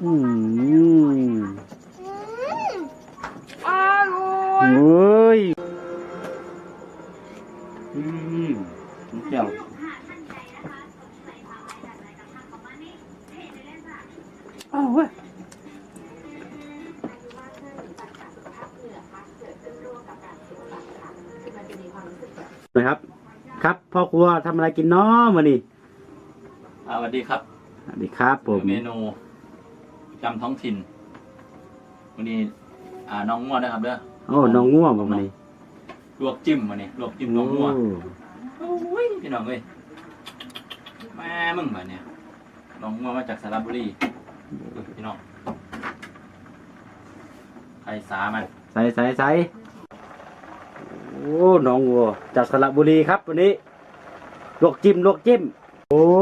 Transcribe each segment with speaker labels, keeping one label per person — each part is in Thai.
Speaker 1: อืม
Speaker 2: อร่อย
Speaker 1: เฮ้ยเจียวอ้าวเว้ยนะครับครับพ่อครัวทำอะไรกินน้อมานี่
Speaker 3: สวัสดีครับ
Speaker 1: สวัสดีครับผม
Speaker 3: เมนูจำท้องถิ่นวันนี้น้องง่วงนะครับเด้อ
Speaker 1: โอ้น้องง่วงมานี่
Speaker 3: ลวกจิ้มมานี่ลวกจิ้มน้องง่วงโอ้ยพี่น้องเอ้ยแม่มึงมาเนี่ยน้องง่วงมาจากสระบุรีพี่น้องไข่สามัน
Speaker 1: ใส่โอ้น้องวัวจากสระบุรีครับวันนี้ลวกจิ้มโอ้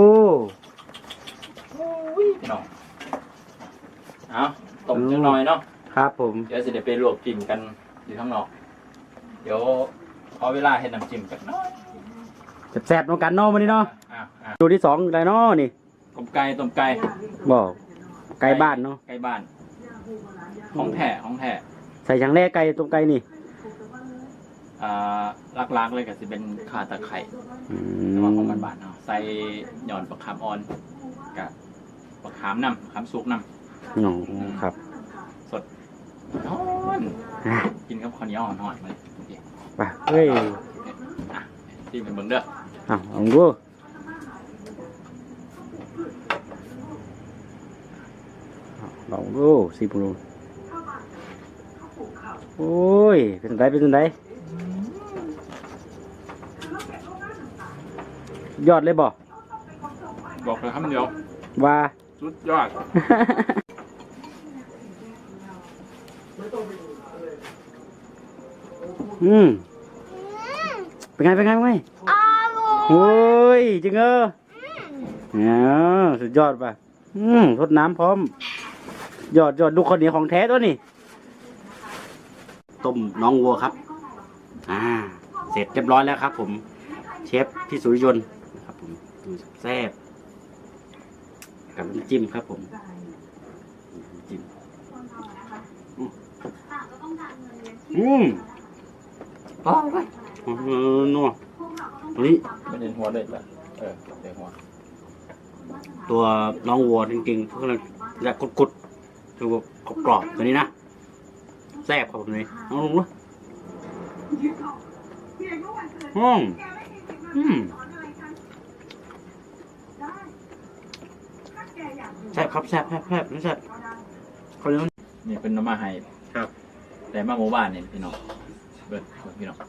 Speaker 3: พี่น้องเอาต้มจังหน่อยเนาะ
Speaker 1: ครับผม
Speaker 3: เดี๋ยวจะได้ไปลวกจิ้มกันอยู่ข้างนอกเดี๋ยวขอเวลาเห็ดน้ำจิ้มกันน้อย
Speaker 1: แซ่บๆน้องกันน้อมานี่เนาะดูที่สองอะไรน้อนี่
Speaker 3: ต้มไก่
Speaker 1: บอกไก่บ้านเนาะ
Speaker 3: ไก่บ้านของแท้
Speaker 1: ใส่ช่างแร่ไก่ต้มไก่นี่
Speaker 3: ลักๆเลยก็จะเป็นข่าตะไคร้แต่ว่าของบ้านๆเนาะใส่หย่อนปลาคาร์มอ่อนกับปลาคาร์มน้ำคาร์มซุกน้ำ
Speaker 1: อ๋อครับ
Speaker 3: สดนอนกินกับข้าวเหนียวหน่อยมา
Speaker 1: ไปเฮ้ย
Speaker 3: ที่เป็นเบิ่งเด้อ
Speaker 1: ลองดูสิบโลโอ้ยเป็นไรยอดเลย
Speaker 3: บอกเลยคำเดียว
Speaker 1: ว่า
Speaker 3: สุดยอด
Speaker 1: เป็นไงโอ้ยจริงสุดยอดป่ะทดน้ำพร้อมยอดดูคนเหนียวของแท้ตัวนี้ต้มน้องวัวครับเสร็จเรียบร้อยแล้วครับผมเชฟพี่สุริยนต์นะครับผมแซ่บกับน้ำจิ้มครับผมจิ้มอ๋อไปนัวตัวนี้
Speaker 3: ไม่เห็นหัวเด็ดละเด็ดหัว
Speaker 1: ตัวน้องวัวจริงๆเขาเลยอยากกุดตัวกรอบตัวนี้นะแซ่บครับผมเลยน้องลุงวะแซ่บครับแซ่บนี่แซ่บเขาเรียก
Speaker 3: นี่เป็นน้ำมาไฮ
Speaker 1: ครับ
Speaker 3: แต่มาหมู่บ้านเนี่ยพี่น้องเบิดพี่น้อง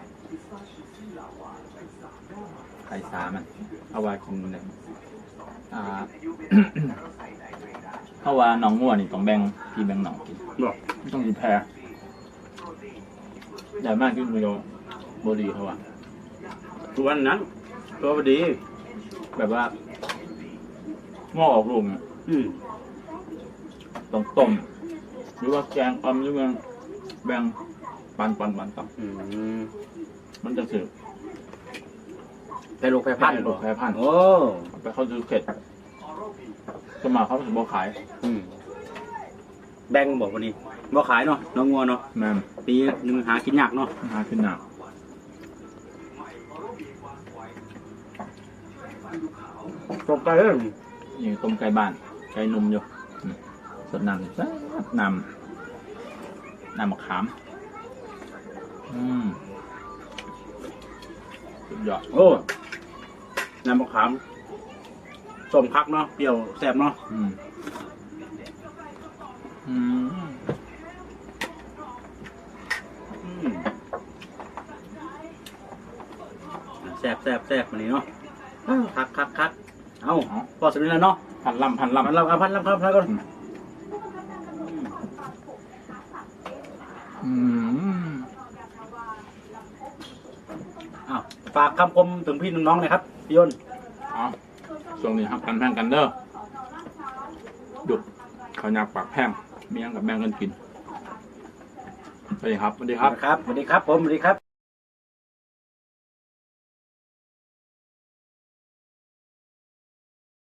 Speaker 3: ไข่สามันเอาไว้กินเลยเพราะว่าน้องง่วนี่ต้องแบ่งพี่แบ่งน้องกินต้องกินแพรใหญ่มากขึ้นโยบดีเขาว่า
Speaker 1: ตัวนั้นตัวพอดี
Speaker 3: แบบว่าง้อออกลูกเนี่ยต้องต้มหรือว่าแกงหรือว่าแบ่งปันต่อมันจะสืบ
Speaker 1: แต่ลูกแพรพันธุ์โอ้
Speaker 3: ไปเขาซื้อเข็ดจะมาเขาถึงบ่ขาย
Speaker 1: แบ่งบอกวันนี้บ่ขายเนาะน้องงัวเนาะ
Speaker 3: แม่
Speaker 1: ปีนึงหากินยากเนาะ
Speaker 3: หากินยาก
Speaker 1: ต้มไก่
Speaker 3: นี่ต้มไก่บ้านไก่นุ่มอยู่สดน้ำมะขามสุดยอด
Speaker 1: โอ้น้ำมะขามส้มคักเนาะเปรี้ยวแซ่บเนาะแซ่บวันนี้เนาะคักเอาพอสุดแล้วเนาะ
Speaker 3: พันลำก่อน
Speaker 1: ฝากคำคมถึงพี่น้องๆเลยครับพี่ยนต์
Speaker 3: ช่วงนี้ครับกันแพงกันเด้อหยุดเขาอยากปากแพงมีอย่างกับแบ่งกันกินสวัสดีครับ
Speaker 1: ผมสวัสดีครับ